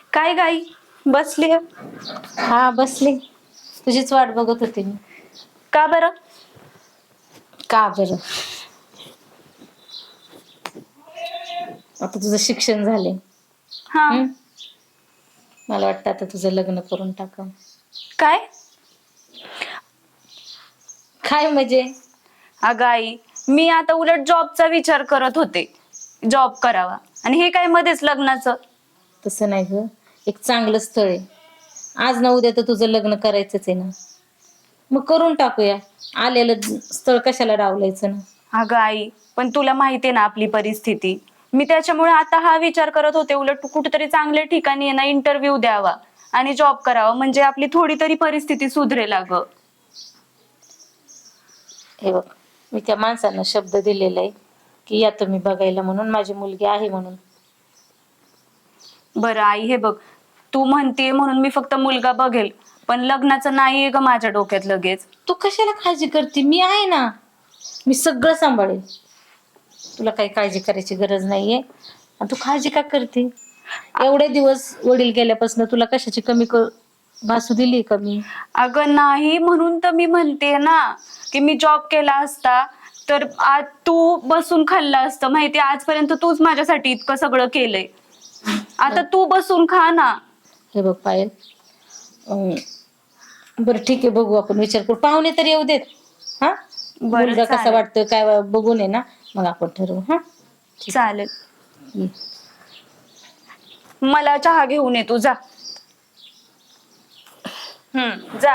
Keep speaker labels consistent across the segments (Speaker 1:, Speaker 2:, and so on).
Speaker 1: काय गाई बसली?
Speaker 2: हा बसले. तुझीच वाट बघत होते मी.
Speaker 1: का बरं?
Speaker 2: का बरं? आता तुझं शिक्षण झाले.
Speaker 1: हा.
Speaker 2: मला वाटतं आता तुझं लग्न करून टाकावं.
Speaker 1: काय?
Speaker 2: काय म्हणजे?
Speaker 1: अगं आई, मी आता उलट जॉबचा विचार करत होते. जॉब करावा आणि हे काय मध्येच लग्नाचं.
Speaker 2: तसं नाही ग, एक चांगलं स्थळ आहे. आज ना उद्या तर तुझं लग्न करायचंच आहे ना, मग करून टाकूया. आलेलं स्थळ कशाला डावलायचं ना.
Speaker 1: अगं आई, पण तुला माहितीये ना आपली परिस्थिती. मी त्याच्यामुळे आता हा विचार करत होते, उलट कुठेतरी चांगल्या ठिकाणी आहे ना इंटरव्ह्यू द्यावा आणि जॉब करावा, म्हणजे आपली थोडी तरी परिस्थिती सुधरेल अगं.
Speaker 2: हे बघ, मी त्या माणसांना शब्द दिलेला आहे की या तुम्ही बघायला म्हणून, माझी मुलगी आहे म्हणून.
Speaker 1: बरं आई, हे बघ, तू म्हणतीये म्हणून मी फक्त मुलगा बघेल, पण लग्नाचं नाहीये ग माझ्या डोक्यात लगेच.
Speaker 2: तू कशाला काळजी करते? मी आहे ना, मी सगळं सांभाळेल. तुला काही काळजी करायची गरज नाहीये. आणि तू काळजी का करते? एवढे दिवस वडील गेल्यापासून तुला कशाची कमी भासू दिली कमी?
Speaker 1: अगं नाही, म्हणून तर मी म्हणते ना की मी जॉब केला असता तर आज तू बसून खाल्लं असतं. माहिती, आजपर्यंत तूच माझ्यासाठी इतकं सगळं केलंय, आता तू बसून खा ना.
Speaker 2: हे बघ पायल, बरं ठीक आहे, बघू आपण, विचार करू. पाहुणे तर येऊ देत. हा,
Speaker 1: बरं
Speaker 2: मुलगा कसा
Speaker 1: चालेल.
Speaker 2: वाटतोय काय बघून आहे ना, मग आपण ठरवू. हा
Speaker 1: चालेल,
Speaker 2: ये.
Speaker 1: मला चहा घेऊन ये तू, जा. जा.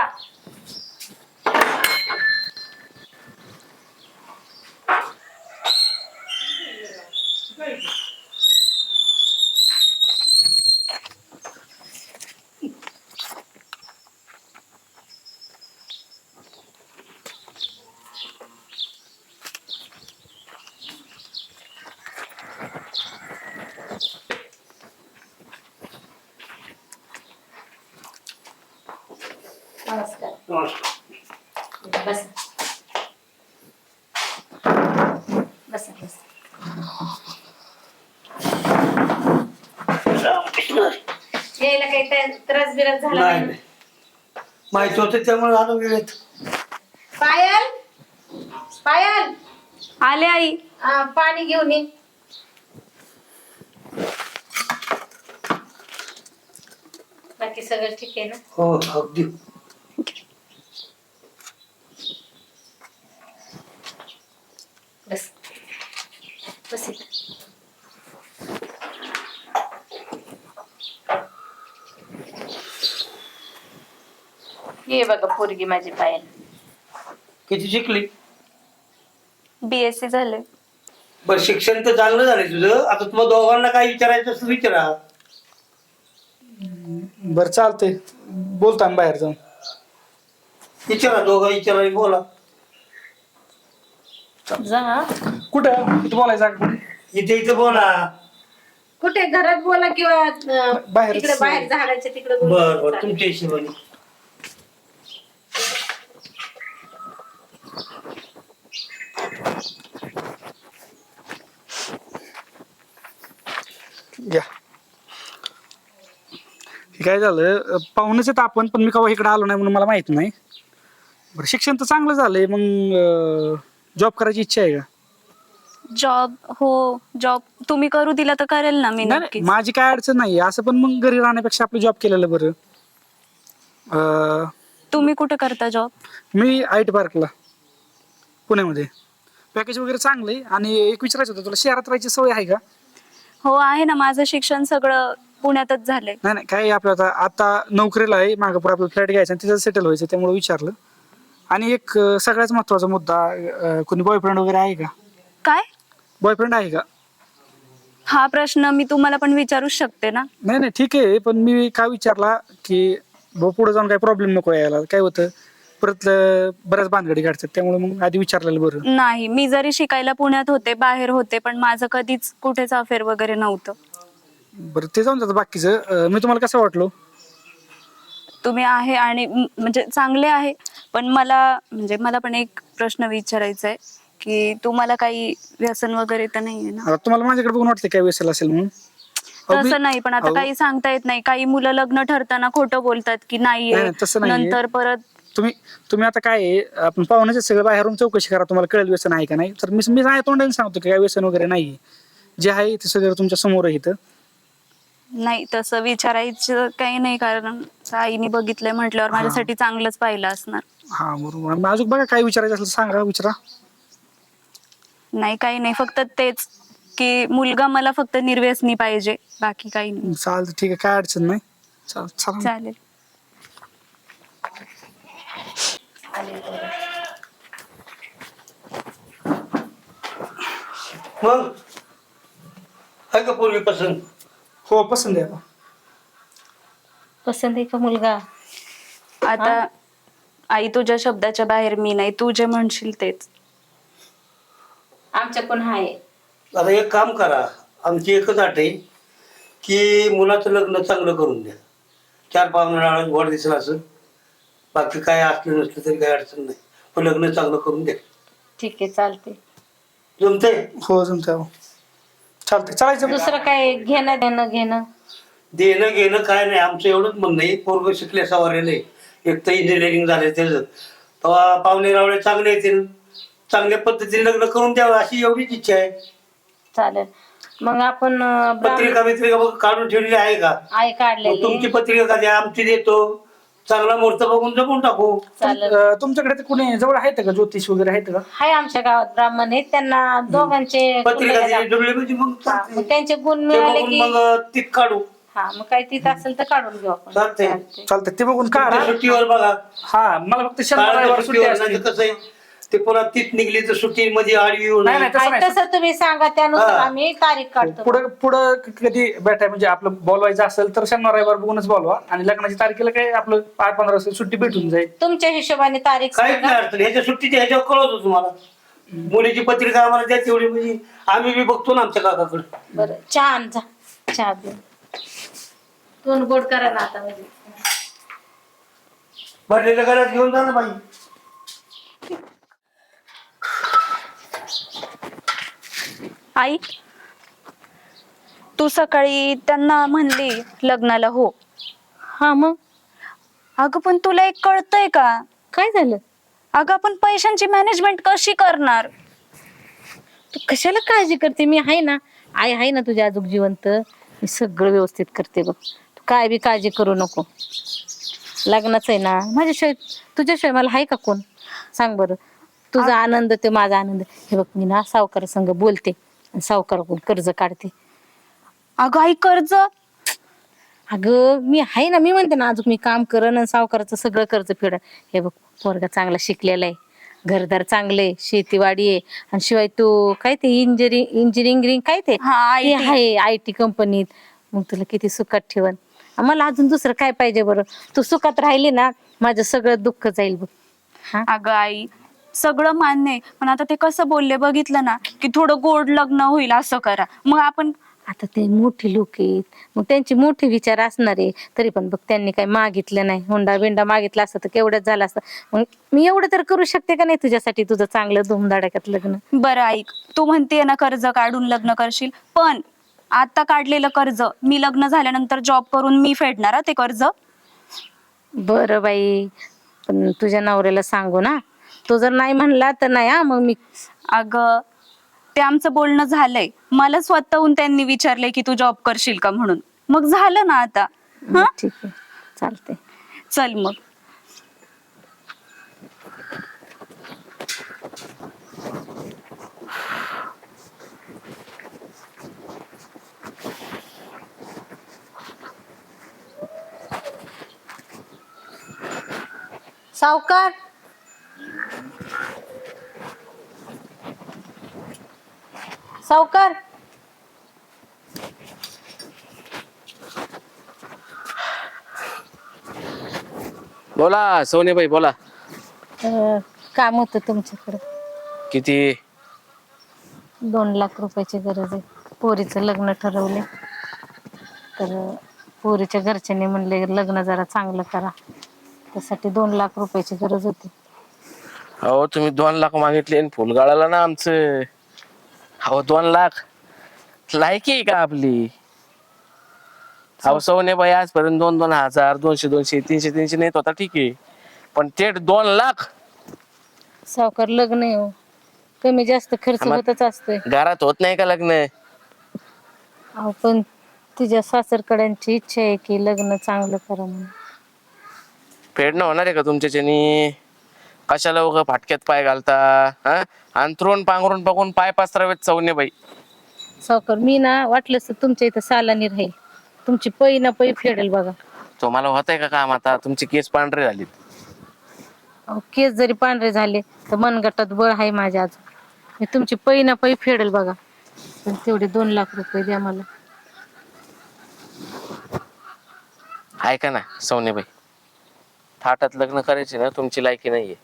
Speaker 2: नमस्कार.
Speaker 3: नमस्कार.
Speaker 2: बस बस बस. यायला काही त्रास बिरास झाला
Speaker 3: नाही
Speaker 2: नाही?
Speaker 3: नाही. माहिती होतं त्यामुळे आलो वेळेत.
Speaker 2: पायल, पायल,
Speaker 1: आले आई.
Speaker 2: पाणी घेऊन ये. बाकी सगळं ठीक आहे ना?
Speaker 3: हो अगदी.
Speaker 2: बस बस इथं. ये बघा पोरगी माझी पायल.
Speaker 3: किती शिकली?
Speaker 1: BSc झाले.
Speaker 3: बर, शिक्षण तर चांगलं झालंय तुझं. आता तुम्हाला दोघांना काय विचारायचं असं विचारा.
Speaker 4: बरं चालतंय, बोलतो आम्ही बाहेर जाऊन.
Speaker 3: विचारा, दोघं विचारा, बोला.
Speaker 2: जा.
Speaker 4: कुठं इथं बोलायचं का कुठे?
Speaker 3: इथे इथं बोला.
Speaker 2: कुठे घरात बोला किंवा
Speaker 4: बाहेरच.
Speaker 2: तिकडे बाहेर झाडाच्या तिकडे
Speaker 3: बर बर, तुमच्या हिशोबाने.
Speaker 4: घ्या. हे काय झालं, पाहुणेच आहेत आपण, पण मी केव्हा इकडे आलो नाही म्हणून मला माहित नाही. बरं, शिक्षण तर चांगलं झालंय, मग जॉब करायची इच्छा आहे का?
Speaker 1: जॉब? हो, जॉब तुम्ही करू दिला तर करेल ना मी
Speaker 4: नाही
Speaker 1: नक्कीच.
Speaker 4: माझी काय अडचण नाही असं, पण मग घरी राहण्यापेक्षा आपलं जॉब केलेलं बरं.
Speaker 1: तुम्ही कुठे करता जॉब?
Speaker 4: मी IT पार्कला पुण्यामध्ये. पॅकेज वगैरे चांगलं आहे. आणि एक विचारायचं होतं तुला, शहरात राहायची सवय आहे का?
Speaker 1: हो आहे ना, माझं शिक्षण सगळं पुण्यातच झालंय.
Speaker 4: नाही नाही, काय आपलं आता नोकरीला आहे, मागं पुढे आपलं फ्लॅट घ्यायचा आणि तिथं सेटल व्हायचं, त्यामुळे विचारलं. आणि एक सगळ्यात महत्वाचा मुद्दा, कोणी बॉयफ्रेंड वगैरे आहे का?
Speaker 1: काय?
Speaker 4: बॉयफ्रेंड आहे का?
Speaker 1: हा प्रश्न मी तुम्हाला पण विचारूच शकते ना.
Speaker 4: नाही नाही ठीक आहे, पण मी काय विचारला की पुढे जाऊन काही प्रॉब्लेम नको यायला. काय होतं परत बऱ्याच भानगडी काढतात, त्यामुळे मग आधी विचारलेलं बरं.
Speaker 1: नाही, मी जरी शिकायला पुण्यात होते, बाहेर होते, पण माझं कधीच कुठेच अफेअर वगैरे नव्हतं.
Speaker 4: बरं, ते जाऊन जातं. बाकीचं मी तुम्हाला कसं वाटलो?
Speaker 1: तुम्ही आहे आणि म्हणजे चांगले आहे, पण मला पण एक प्रश्न विचारायचा आहे की तुम्हाला काही व्यसन वगैरे तर नाहीये ना?
Speaker 4: आता तुम्हाला माझ्याकडे बघून वाटतं काय व्यसल असेल म्हणून? अहो,
Speaker 1: तसं नाही, पण आता
Speaker 4: अहो,
Speaker 1: काही सांगता येत नाही. काही मुलं लग्न ठरताना खोटं बोलतात की
Speaker 4: नाही,
Speaker 1: नाहीये,
Speaker 4: नाही, तसं नाहीये.
Speaker 1: नंतर परत
Speaker 4: तुम्ही तुम्ही आता काय आहे, आपण पाहुण्याचे सगळं बाहेरून चौकशी करा, तुम्हाला कळेल व्यसन आहे का नाही. तर मी नाही तोंडाने सांगतो की काय व्यसन वगैरे नाही. जे आहे ते सगळं तुमच्या समोर आहे इथं.
Speaker 1: नाही, तसं विचारायचं काही नाही, कारण आईने बघितलंय म्हटल्यावर माझ्यासाठी चांगलंच पाहिलं असणार.
Speaker 4: हा बरोबर. मग अजून बघा काय विचारायचं असेल तर सांगा, विचारा.
Speaker 1: नाही, काही नाही, फक्त तेच की मुलगा मला फक्त निर्व्यसनी पाहिजे, बाकी काही नाही.
Speaker 4: चालतं, ठीक आहे, काय अडचण नाही. चला.
Speaker 1: चालेल.
Speaker 3: मग आहे का पूर्वी पसंत?
Speaker 4: हो, पसंत आहे आता.
Speaker 2: पसंत आहे का मुलगा?
Speaker 1: आता आई, तुझ्या शब्दाच्या बाहेर मी नाही, तू जे म्हणशील तेच.
Speaker 2: आमच्या पण आहे.
Speaker 3: आता एक काम करा, आमची एकच अट आहे की मुलाचं लग्न चांगलं करून द्या. 4 पाहुणे गोड दिसलं असं, बाकी काय असलं नसलं तरी काही अडचण नाही, पण लग्न चांगलं करून द्या.
Speaker 2: ठीक आहे, चालते.
Speaker 3: जमतंय?
Speaker 4: हो, जमतंय. हो, चालतंय, चालायचं.
Speaker 2: दुसरं काय घेणं घेणं?
Speaker 3: देणं घेणं काय नाही, आमचं एवढंच म्हणणं आहे, पोरग शिकल्या सवारेलं आहे, एक तर इंजिनिअरिंग झालं त्याचं, तेव्हा पाहुणे रावळे चांगले येतील, चांगल्या पद्धतीने लग्न करून द्यावं अशी एवढीच इच्छा आहे.
Speaker 2: चालेल. मग आपण
Speaker 3: पत्रिका बित्रिका बघ काढून ठेवलेली आहे का?
Speaker 2: आहे
Speaker 3: मग
Speaker 2: काढलेली.
Speaker 3: तुमची पत्रिका का द्या, आमची देतो, चांगला मुहूर्त बघून जमून टाकू.
Speaker 2: चालेल.
Speaker 4: तुमच्याकडे ते कुणी जवळ आहेत का, ज्योतिष वगैरे आहेत का?
Speaker 2: हाय, आमच्या गावात ब्राह्मण आहेत, त्यांना दोघांचे
Speaker 3: पत्रिका
Speaker 2: कुंडल्या
Speaker 3: दिली जुळली म्हणजे मग
Speaker 2: हा,
Speaker 3: चालतंय.
Speaker 2: मग त्यांचे गुण
Speaker 3: ते
Speaker 2: मिळाले
Speaker 3: बघून
Speaker 2: की
Speaker 3: मग तीत काढू.
Speaker 2: हा, मग काही तिथं असेल तर काढून घेऊ आपण.
Speaker 3: चालतंय.
Speaker 2: चालतंय.
Speaker 4: चालतंय, ते बघून काढा.
Speaker 3: त्या सुट्टीवर बघा,
Speaker 4: हा, मला फक्त शनिवार
Speaker 3: काळाच्या
Speaker 4: रविवार सुट्टी
Speaker 3: सुट्टीवर
Speaker 4: असते.
Speaker 3: नाही तर कसं आहे, ते पुन्हा तीत निघली तर सुट्टी मध्ये आडवी येऊ
Speaker 4: नाही,
Speaker 3: नये.
Speaker 4: नाही, तसं
Speaker 2: आणि
Speaker 4: नाही.
Speaker 2: तसं तुम्ही सांगा, त्यानुसार
Speaker 3: हा.
Speaker 2: आम्ही तारीख काढतो.
Speaker 4: पुढं कधी भेटाय म्हणजे आपलं बोलवायचं असेल तर शनिवार रविवार बघूनच बोलवा, आणि लग्नाची तारखेला काय आपलं 8-15 सुट्टी भेटून जाईल.
Speaker 2: तुमच्या हिशोबाने तारीख
Speaker 3: काहीच
Speaker 2: सांगा.
Speaker 3: नाही अडचण, ह्याच्या सुट्टीच्या ह्याच्यावर कळवतो तुम्हाला. मुलीची पत्रिका आम्हाला द्या तेवढी, म्हणजे आम्ही बी बघतो ना आमच्या काकाकडे.
Speaker 2: बरं, चहा आण जा. चहा दे. तोंड गोड करा ना आता. म्हणजे
Speaker 3: भरलेल्या घरात घेऊन जा ना बाई.
Speaker 1: आई, तू सकाळी त्यांना म्हणली लग्नाला हो.
Speaker 2: हा, मग
Speaker 1: अगं, पण तुला एक कळतंय का?
Speaker 2: काय झालं?
Speaker 1: अगं, आपण पैशांची मॅनेजमेंट कशी करणार?
Speaker 2: तू कशाला काळजी करते? मी आहे ना, आई आहे ना तुझ्या आजूक जिवंत. मी सगळं व्यवस्थित करते बघ. तू काय बी काळजी करू नको. लग्नाचं आहे ना, माझ्याशिवाय तुझ्याशिवाय मला आहे का कोण? सांग बरं. तुझा आनंद ते माझा आनंद. हे बघ, मी ना सावकार संग बोलते आणि सावकाराकडून कर्ज काढते.
Speaker 1: अगं आई, कर्ज?
Speaker 2: अगं, मी आहे ना, मी म्हणते ना, अजून मी काम करन आणि सावकाराचं सगळं कर्ज फेड. हे बघ, पोरगा चांगला शिकलेला आहे, घरदार चांगले, शेतीवाडी आहे, आणि शिवाय तू काय ते इंजिनिअरिंग काय ते
Speaker 1: हा,
Speaker 2: ते
Speaker 1: IT.
Speaker 2: आहे IT कंपनीत. मग तुला किती सुखात ठेवन. मला अजून दुसरं काय पाहिजे बरं? तू सुखात राहिली ना, माझं सगळं दुःख जाईल बघ. हा,
Speaker 1: अगं आई, सगळं मान्य आहे, पण आता ते कसं बोलले बघितलं ना, की थोडं गोड लग्न होईल असं करा. मग आपण
Speaker 2: आता ते मोठे लोक आहेत, मग त्यांचे मोठे विचार असणार आहे. तरी पण बघ, त्यांनी काही मागितलं नाही. हुंडा बिंडा मागितला असतं तर केवढंच झालं असतं. मग मी एवढं तर करू शकते का नाही तुझ्यासाठी, तुझं चांगलं धुमधडाक्यात लग्न.
Speaker 1: बरं ऐक, तू म्हणतेय ना कर्ज काढून लग्न करशील, पण आता काढलेलं कर्ज मी लग्न झाल्यानंतर जॉब करून मी फेडणार ते कर्ज.
Speaker 2: बरं बाई, पण तुझ्या नवऱ्याला सांगू ना, तो जर नाही म्हणला तर नाही. हा, मग मी
Speaker 1: अगं, ते आमचं बोलणं झालंय. मला स्वतःहून त्यांनी विचारलंय की तू जॉब करशील का म्हणून. मग झालं ना आता. हा,
Speaker 2: ठीक आहे, चालते.
Speaker 1: चल मग.
Speaker 2: सावकार, सावकार,
Speaker 5: बोला सोनेबाई बोला.
Speaker 2: काम होतं तुमच्याकडे.
Speaker 5: किती?
Speaker 2: 2 लाख रुपयाची गरज आहे. पोरीचं लग्न ठरवले, तर पोरीच्या घरच्यांनी म्हणले लग्न जरा चांगलं करा, त्यासाठी 2 लाख रुपयाची गरज होती.
Speaker 5: अहो तुम्ही 2 लाख मागितले आणि फुल गाळाला ना आमचं. अहो 2 लाख लायकी आहे का आपली? अहो सवने बाई आजपर्यंत 2,000, 200, 300 नेत होता ठीक आहे, पण थेट 2 लाख
Speaker 2: सावकार लग्न आहे हो, कमी जास्त खर्च
Speaker 5: आम्हा-
Speaker 2: होतच असतोय.
Speaker 5: घरात होत नाही का लग्न?
Speaker 2: अहो पण तुझ्या सासरकड्यांची इच्छा आहे की लग्न चांगलं करा म्हणून.
Speaker 5: फेडणं होणार आहे का तुमच्याच्यानी? कशाला उगा फाटक्यात पाय घालता? हा, अंथरून पांघरून बघून पाय पसरावेत सवने बाई.
Speaker 2: सावकार मी ना वाटलंच तर तुमच्या इथं सालानी राहील, तुमची पै ना पै फेडेल बघा.
Speaker 5: तुम्हाला होत आहे का काम आता? तुमची केस पांढरे झालीत.
Speaker 2: अहो केस जरी पांढरे झाले तर मनगटात बळ आहे माझ्या अजून. मी तुमची पै ना पै फेडेल बघा, पण तेवढे 2 लाख रुपये द्या मला.
Speaker 5: ऐका ना सवनेबाई, थाटात लग्न करायचे ना तुमची लायकी नाहीये.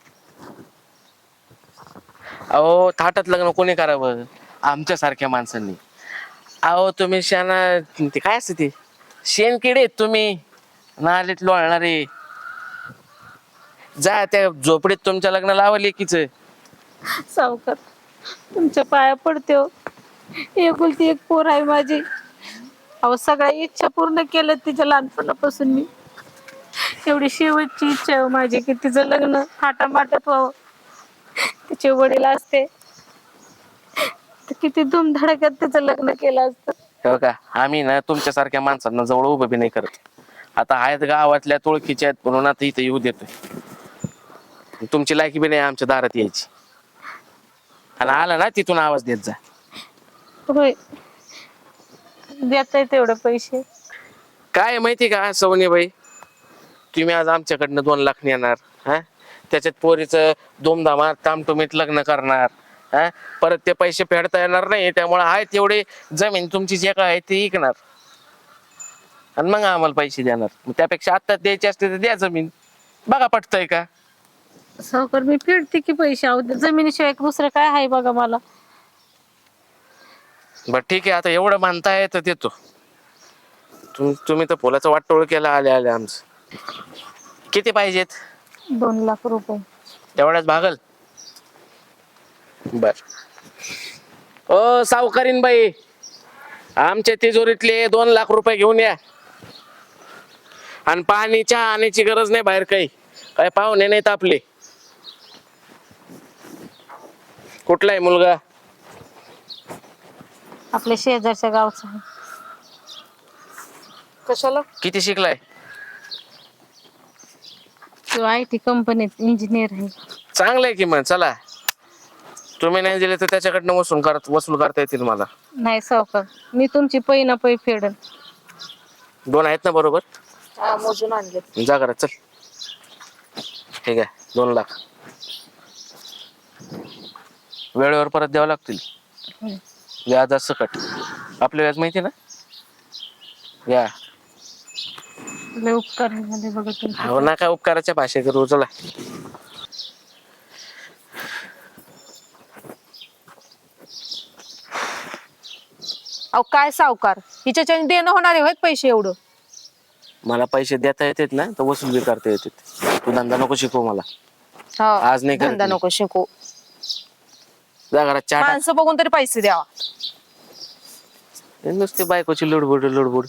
Speaker 5: अहो थाटात लग्न कोणी करावं? आमच्यासारख्या माणसांनी. अहो तुम्ही शाना ते काय असते ते शेणकिडे आहेत तुम्ही, नालीत लोळणारे. जा त्या झोपडीत तुमच्या लग्न लावा लेकीच.
Speaker 2: सावकार तुमच्या पाया पडते हो, एकुलती एक पोर आहे माझी. अहो सगळ्या इच्छा पूर्ण केल्या तिच्या लहानपणापासून मी. एवढी शेवटची इच्छा आहे हो माझी की तिचं लग्न थाटामाटात व्हावं. तिचे वडील असते तर किती धूमधडाक्यात तिचं लग्न केलं असतं.
Speaker 5: हो का, आम्ही ना तुमच्यासारख्या माणसांना जवळ उभं बी नाही करत. आता आहेत गावातल्या तुळकीच्या आहेत म्हणून आता इथं येऊ देतोय. तुमची लायकी बी नाही आमच्या दारात यायची. आणि आला ना तिथून आवाज देत जा.
Speaker 2: होय, देताय तेवढे पैसे.
Speaker 5: काय माहिती का सवनीबाई, तुम्ही आज आमच्याकडनं 2 लाख नेणार, हा त्याच्यात पोरीचं धुमधामात तामटुमीत लग्न करणार, हा परत ते पैसे फेडता येणार नाही, त्यामुळे आहे तेवढे जमीन तुमची जे काय आहे ते विकणार आणि मग आम्हाला पैसे देणार. त्यापेक्षा आता द्यायचे असते तर द्या जमीन. बघा पटतंय का?
Speaker 2: सावकार मी फेडते की पैसे. अहो जमिनीशिवाय दुसरं काय आहे बघा मला.
Speaker 5: बर ठीक आहे, आता एवढं मानताय तर देतो. तुम्ही तर फुलाचं वाटोळ केलं आले आले आमचं. किती पाहिजेत?
Speaker 2: 2 लाख रुपये.
Speaker 5: तेवढ्याच भागल? बर. ओ सावकारीन बाई, आमच्या तिजोरीतले 2 लाख रुपये घेऊन या. आणि पाणी चहा आणायची गरज नाही बाहेर, काही पाहुणे नाहीत आपले. कुठला आहे मुलगा?
Speaker 2: आपल्या शेजारच्या गावचा आहे.
Speaker 1: कशाला?
Speaker 5: किती शिकलाय?
Speaker 2: तो IT कंपनीत इंजिनियर आहे.
Speaker 5: चांगलंय की मग. चला, तुम्ही नाही दिले तर त्याच्याकडनं वसूल करता येतील मला.
Speaker 2: नाही सावकार, मी तुमची पै ना पै फेडन.
Speaker 5: 2 आहेत ना बरोबर?
Speaker 2: मोजून आणले.
Speaker 5: जा घरात चल. ठीक आहे, 2 लाख वेळेवर परत द्यावं लागतील. व्याज सकट. आपलं व्याज माहिती ना? या
Speaker 2: लय उपकार आहे मध्ये बघा तुमचे.
Speaker 5: हो ना, काय उपकाराच्या भाषे करू. चला.
Speaker 6: अहो काय सावकार, हिच्याच्याने देणं होणार आहे पैसे एवढं?
Speaker 5: मला पैसे देता येतात ना तर वसूल बी करता येतात. तू धंदा नको शिकवू मला.
Speaker 6: हा,
Speaker 5: आज नाही करत
Speaker 6: धंदा
Speaker 5: मी.
Speaker 6: नको शिकू.
Speaker 5: जा घरात चहा टाक.
Speaker 6: माणसं बघून तरी पैसे द्यावा.
Speaker 5: नुसती बायकोची लुडबुड.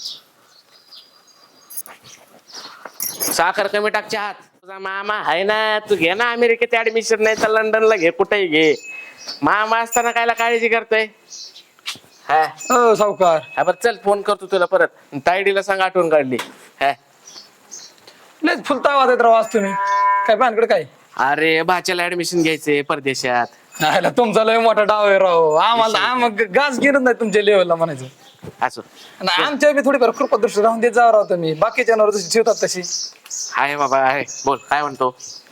Speaker 5: साखर कमी टाक चहात. तुझा मामा आहे ना, तू घे ना अमेरिकेत ऍडमिशन, नाही तर लंडनला घे, कुठेही घे. मामा असताना कायला काळजी करतोय? हा
Speaker 4: हो सावकार.
Speaker 5: हा, बरं चल, फोन करतो तुला परत. तायडीला सांग आठवण काढली. हा
Speaker 4: लयच फुलता आवाज येत राव आज तुम्ही. काय भानगड काय?
Speaker 5: अरे भाच्याला ऍडमिशन घ्यायचंय परदेशात.
Speaker 4: नाही तुमचा लय मोठा डाव आहे राव. आम्हाला गाज गिरत नाही तुमच्या लेवलला म्हणायचं.
Speaker 5: असो
Speaker 4: आणि आमच्या बी थोडीफार कृपदृष्टी राहून देत जावं राव तुम्ही. बाकीच्या जनावर जशी ठेवतात तशी.
Speaker 5: आहे बाबा आहे. बोल काय म्हणतो?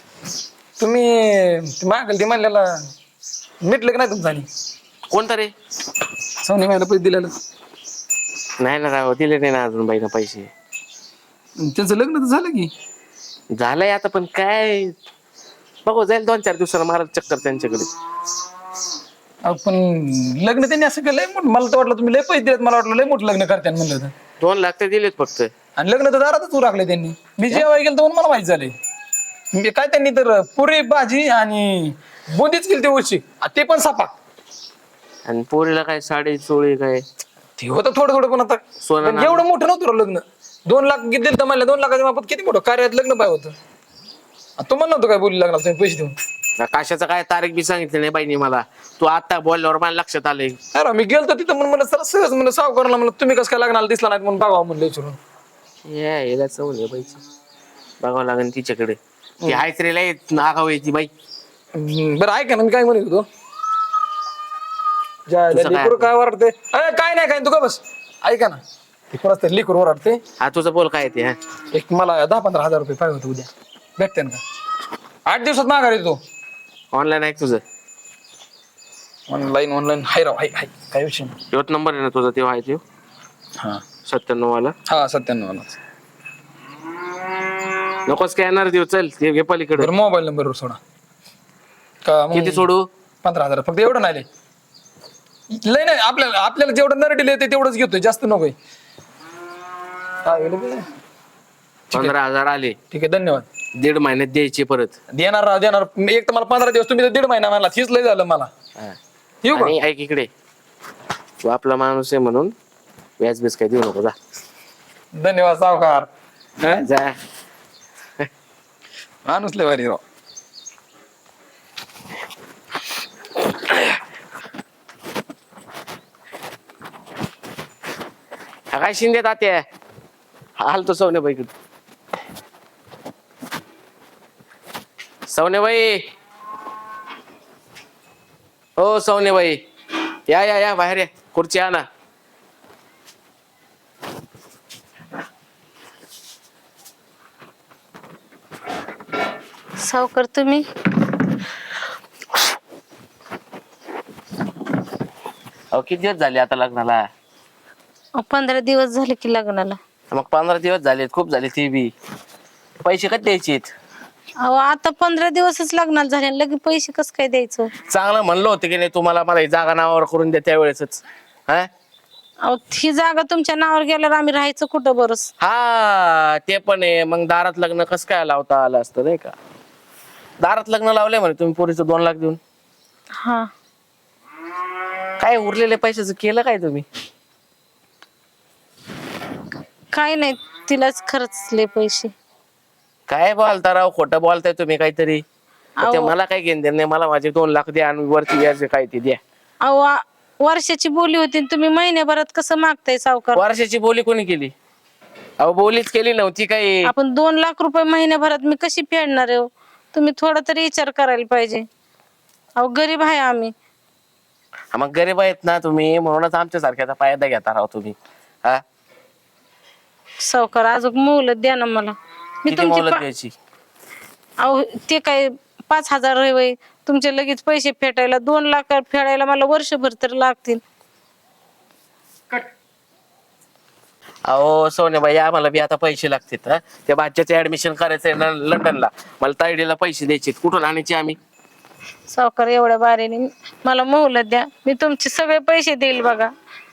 Speaker 4: तुम्ही मागल ते म्हणलेला मिटलं की नाही तुमचं? आणि
Speaker 5: कोणतं रे?
Speaker 4: सोनी मायला पैसे दिलेलं
Speaker 5: नाही ना राव, दिले नाही ना अजून बाईना पैसे.
Speaker 4: त्यांचं लग्न तर झालं की.
Speaker 5: झालंय आता, पण काय बघू, जाईल 2-4 दिवसाला मारत चक्कर त्यांच्याकडे.
Speaker 4: पण लग्न त्यांनी असं केलंय मोठं. मला तर वाटलं तुम्ही लय पैसे दिलेत. मला वाटलं लय मोठं लग्न करते म्हणलं होतं.
Speaker 5: 2 लाख ते दिलेत फक्त.
Speaker 4: आणि लग्न तर दारातच उरकले त्यांनी. मी जेव्हा गेलो तर मला माहित झालंय. मी काय त्यांनी तर पुरी भाजी आणि बुंदीच केली ते उशी, ते पण सापाक.
Speaker 5: आणि पोरीला काय साडी चोळी काय
Speaker 4: ते होतं थोडं पण आता
Speaker 5: सोनं
Speaker 4: पण एवढं मोठं नव्हतं राव लग्न.
Speaker 7: 2 लाख किती दिलं तर म्हणलं 2 लाखाच्या मापात किती मोठं कार्यात लग्न पाहिजे होतं. तू म्हणलं होतं काय बोलू लागला तुम्ही पैसे देऊन.
Speaker 5: कशाचं काय तारीख बी सांगितली नाही बाईनी मला. तू आता बोलल्यावर मला लक्षात आलंय.
Speaker 7: अरे मी गेलतो तिथं म्हणून मला सर सहज म्हणलं सावकारला म्हणलं तुम्ही कसं काय लग्नाला दिसला नाही म्हणून बघावं म्हणलं विचारून.
Speaker 5: यायला चवले बाईची बघावं लागेल तिच्याकडे. ती हायच रे लय नागाव ती बाई.
Speaker 7: बरं ऐका ना मी काय म्हणत होतो.
Speaker 5: तुझं काय?
Speaker 7: लिकूर काय ओरडते. अरे काय नाही काय तू का बस ऐका ना ते कोणाच तरी लिकूर ओरडते.
Speaker 5: हा तुझं बोल काय ते. हा
Speaker 7: एक मला 10-15 हजार रुपये पाहिजे होते उद्या भेटते ना का 8 दिवसात माघार येतो.
Speaker 5: ऑनलाईन आहे तुझं.
Speaker 7: ऑनलाईन हाय राव हाय हाय काय विषय नाही.
Speaker 5: तोच नंबर आहे ना तुझा तेव्हा आहे तो
Speaker 7: हा
Speaker 5: 97 वाला.
Speaker 7: हा 97
Speaker 5: नको स्कॅनर देऊ चल ते घे पलीकडे.
Speaker 7: बरं मोबाईल नंबरवर सोडा का मग
Speaker 5: किती सोडू.
Speaker 7: 15,000 फक्त एवढं नाही लय नाही आपल्याला जेवढं नरडील येते तेवढंच घेतोय जास्त नकोय. काय होईल बे?
Speaker 5: 15,000 आले.
Speaker 7: ठीक आहे धन्यवाद.
Speaker 5: 1.5 महिन्यात द्यायचे परत.
Speaker 7: देणार राव देणार. एक तर मला 15 दिवस तुम्ही तर 1.5 महिना मला तीच लय झालं मला.
Speaker 5: हा.
Speaker 7: येऊ का
Speaker 5: आणि ऐक इकडे तू आपला माणूस आहे म्हणून व्याज बीज काय देऊ नको जा.
Speaker 7: धन्यवाद सावकार.
Speaker 5: जा.
Speaker 7: माणूस लय भारी राव.
Speaker 5: हा काय शिंदे तात्या हालतो सवनेबाईकडे. सवनेबाई हो सवनेबाई या या या बाहेर या खुर्ची आणा.
Speaker 2: सावकार तुम्ही
Speaker 5: अहो किती दिवस झाले आता लग्नाला.
Speaker 2: 15 दिवस झाले की लग्नाला.
Speaker 5: मग 15 दिवस झालेत खूप झाले. ते बी पैसे कधी द्यायचे.
Speaker 2: अहो आता 15 दिवसच लग्नाला झाले लगे पैसे कसं काय द्यायचं.
Speaker 5: चांगलं म्हणलं होतं की नाही तुम्हाला मला ही जागा नावावर करून द्या त्यावेळेसच. हा
Speaker 2: अहो ही जागा तुमच्या नावावर गेल्यावर आम्ही राहायचं कुठं बरंच.
Speaker 5: हा ते पण आहे. मग दारात लग्न कसं काय लावता आलं असतं नाही का. दारात लग्न लावलंय म्हणे तुम्ही पोरीचं 2 लाख देऊन.
Speaker 2: हा
Speaker 5: काय उरलेल्या पैशाचं केलं काय तुम्ही.
Speaker 2: काय नाही तिलाच खर्चले पैसे.
Speaker 5: काय बोलता राव खोटं बोलताय तुम्ही काहीतरी. ते
Speaker 2: अहो.
Speaker 5: मला काय घेणं देणं नाही. मला माझे 2 लाख द्या आणि वरती व्याज काय ते द्या.
Speaker 2: अहो वर्षाची बोली होती आणि तुम्ही महिन्याभरात कसं मागताय सावकार.
Speaker 5: वर्षाची बोली कोणी केली. अहो बोलीच केली नव्हती काही.
Speaker 2: आपण 2 लाख रुपये महिन्याभरात मी कशी फेडणार आहे हो? तुम्ही थोडा तरी विचार करायला पाहिजे. अहो गरीब आहे आम्ही.
Speaker 5: मग गरीब आहेत ना तुम्ही म्हणूनच आमच्या सारख्याचा फायदा घेता राव तुम्ही. हा
Speaker 2: सावकार अजून मोलत द्या ना मला. मी
Speaker 5: किती
Speaker 2: तुमची
Speaker 5: मोलत द्यायची.
Speaker 2: अहो ते काय 5,000 आहे तुमचे लगेच पैसे फेटायला. 2 लाख फेडायला मला वर्षभर तर लागतील.
Speaker 5: अहो सोनेबाई आम्हाला बी आता पैसे लागतात. हा त्या बाच्याचे ऍडमिशन करायचंय लंडनला. मला तायडीला पैसे द्यायचे. कुठून आणायचे आम्ही.
Speaker 2: सावकार एवढ्या बारीने मला मोहलत द्या. मी तुमचे सगळे पैसे देईल बघा.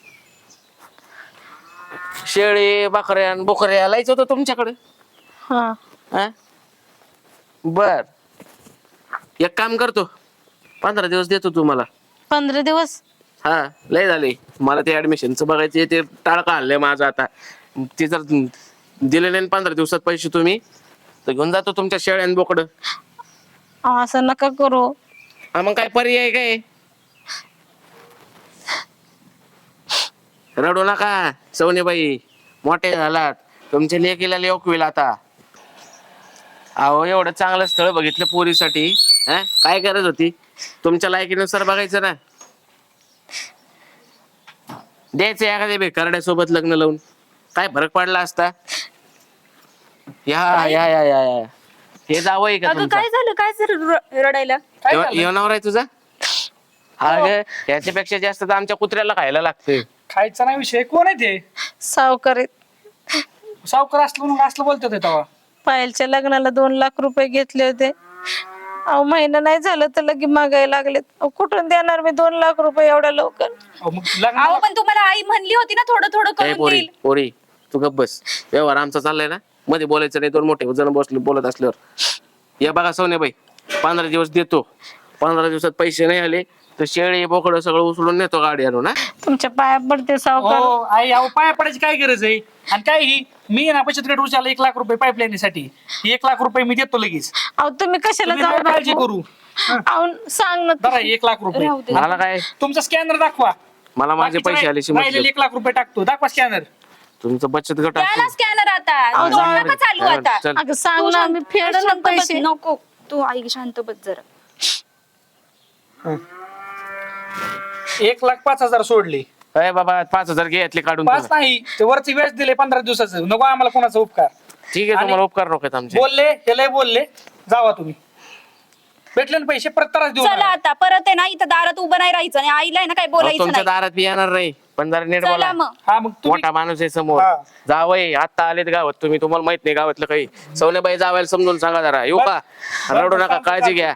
Speaker 5: शेळी बकऱ्या बोकऱ्या लायचं होतं तुमच्याकडे.
Speaker 2: हा
Speaker 5: हा बर एक काम करतो 15 दिवस देतो तुम्हाला.
Speaker 2: 15 दिवस.
Speaker 5: हा लय झाले. मला ते ऍडमिशनचं बघायचे ते टाळका आणलंय माझं आता. ते जर दिले नाही 15 दिवसात पैसे तुम्ही तर घेऊन जातो तुमच्या शेळ्यान बोकड.
Speaker 2: असं नका करू.
Speaker 5: हा मग काय पर्याय काय. रडू नका सवनीबाई. मोठे झालात तुमच्या लेकीला लेकविल आता. अहो एवढं चांगलं स्थळ बघितलं पोरीसाठी. हा काय गरज होती. तुमच्या लायकीनुसार बघायचं ना. द्यायचं एखाद्या बेकारड्यासोबत लग्न लावून काय फरक पडला असता. या या या या या हे जावं का
Speaker 1: अगं
Speaker 5: तुमचं.
Speaker 1: काय झालं काय झालं रडायला.
Speaker 5: येणार आहे तुझा. हा ग याच्यापेक्षा जास्त तर आमच्या कुत्र्याला खायला लागतंय.
Speaker 4: खायचा नाही विषय. कोण आहे ते.
Speaker 2: सावकार आहेत.
Speaker 4: सावकार असलं बोलतात तेव्हा.
Speaker 2: पायलच्या लग्नाला 2 लाख रुपये घेतले होते. अहो महिना नाही झालं तर लगे मागायला लागलेत. अहो कुठून देणार मी 2 लाख रुपये एवढ्या लवकर.
Speaker 4: मग लग्न
Speaker 1: अहो पण तुम्हाला आई म्हणली होती ना थोडं थोडं
Speaker 5: ए
Speaker 1: करून
Speaker 5: पोरी
Speaker 1: देईल.
Speaker 5: पोरी तू गप्प बस. व्यवहार आमचा चाललाय ना. मध्ये बोलायचं नाही. 2 मोठे जण बसले बोलत असल्यावर. या बघा सोनेबाई 15 दिवस देतो. 15 दिवसात पैसे नाही आले तर शेळी बोकडं सगळं उचलून नेतो गाडी आणून.
Speaker 2: तुमच्या पाया पडते सावकार.
Speaker 4: हो आई अहो पाया पडायची काय गरज आहे? आणि काय ही मी ना बचत गट उचलला 1 लाख रुपये पाईपलाईन साठी. 1 लाख रुपये मी देतो लगेच.
Speaker 2: अहो तुम्ही कशाला
Speaker 4: तुम्ही काय काळजी
Speaker 2: जाऊ
Speaker 4: करू.
Speaker 2: अहो सांग ना
Speaker 4: बरं 1 लाख रुपये
Speaker 1: राहू दे.
Speaker 5: मला काय,
Speaker 4: तुमचा स्कॅनर दाखवा.
Speaker 5: मला माझे पैसे आले
Speaker 4: राहिलेले 1 लाख रुपये टाकतो. दाखवा स्कॅनर.
Speaker 5: तुमचं बचत गट
Speaker 1: द्या ना
Speaker 5: असतो.
Speaker 1: स्कॅनर आता.
Speaker 2: अहो,
Speaker 1: तोंड
Speaker 2: जाऊ
Speaker 1: नका चालू आता.
Speaker 5: चल.
Speaker 2: अगं सांग
Speaker 1: तू
Speaker 2: ना
Speaker 1: शांत-
Speaker 2: मी फेड
Speaker 1: शांत बस.
Speaker 2: पैसे.
Speaker 1: नको तू आई शांत बस जरा.
Speaker 4: 1,05,000 सोडले.
Speaker 5: अय बाबा 5,000 घे यातले काढून
Speaker 4: 5
Speaker 5: तुम्ही.
Speaker 4: नाही ते वरचे व्याज दिले 15 दिवसाचं. नको आम्हाला कोणाचा उपकार.
Speaker 5: ठीक आहे, तुम्हाला उपकार नको आहेत आमचे.
Speaker 4: बोलले हे लय बोलले. जावा तुम्ही. भेटले ना पैसे परत त्रास देऊ
Speaker 1: चला
Speaker 4: नका.
Speaker 1: आता परत आहे ना इथं दारात उभं नाही राहायचं आणि आईला आहे ना काय
Speaker 5: अहो,
Speaker 1: बोलायचं
Speaker 5: तुमच्या
Speaker 1: नाही.
Speaker 5: दारात बी येणार नाही, पण जरा नीट
Speaker 1: चला
Speaker 5: बोला.
Speaker 1: मग.
Speaker 4: हा मग तुम्ही
Speaker 5: मोठा माणूस आहे समोर.
Speaker 4: हा.
Speaker 5: जावई आता आलेत गावात, तुम्ही तुम्हाला माहित नाही गावातलं काही. सवनेबाई जावायला समजून सांगा जरा. येऊ का? रडू नका, काळजी घ्या.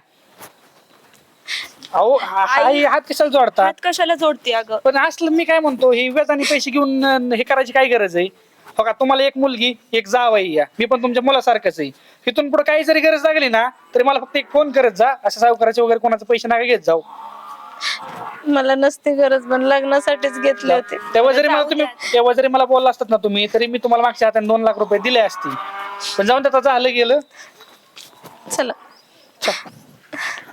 Speaker 4: अहो आई हात कशाला जोडता?
Speaker 1: हात कशाला जोडते अगं?
Speaker 4: पण असलं मी काय म्हणतो हे व्याजाने पैसे घेऊन हे करायची काय गरज आहे? हो का तुम्हाला एक मुलगी एक जावई या. मी पण तुमच्या मुलासारखंच आहे. इथून पुढे काही जरी गरज लागली ना तरी मला फक्त एक फोन करत जा. असं सावकाराचे वगैरे कोणाचे पैसे नका घेत जाऊ.
Speaker 2: मला नसती गरज पण लग्नासाठीच घेतले होते.
Speaker 4: तेव्हा जरी मला बोलला असतात ना तुम्ही तरी मी तुम्हाला मागच्या हाताने 2 लाख रुपये दिले असतील. पण जाऊन त्याचं झालं गेलं.
Speaker 2: चला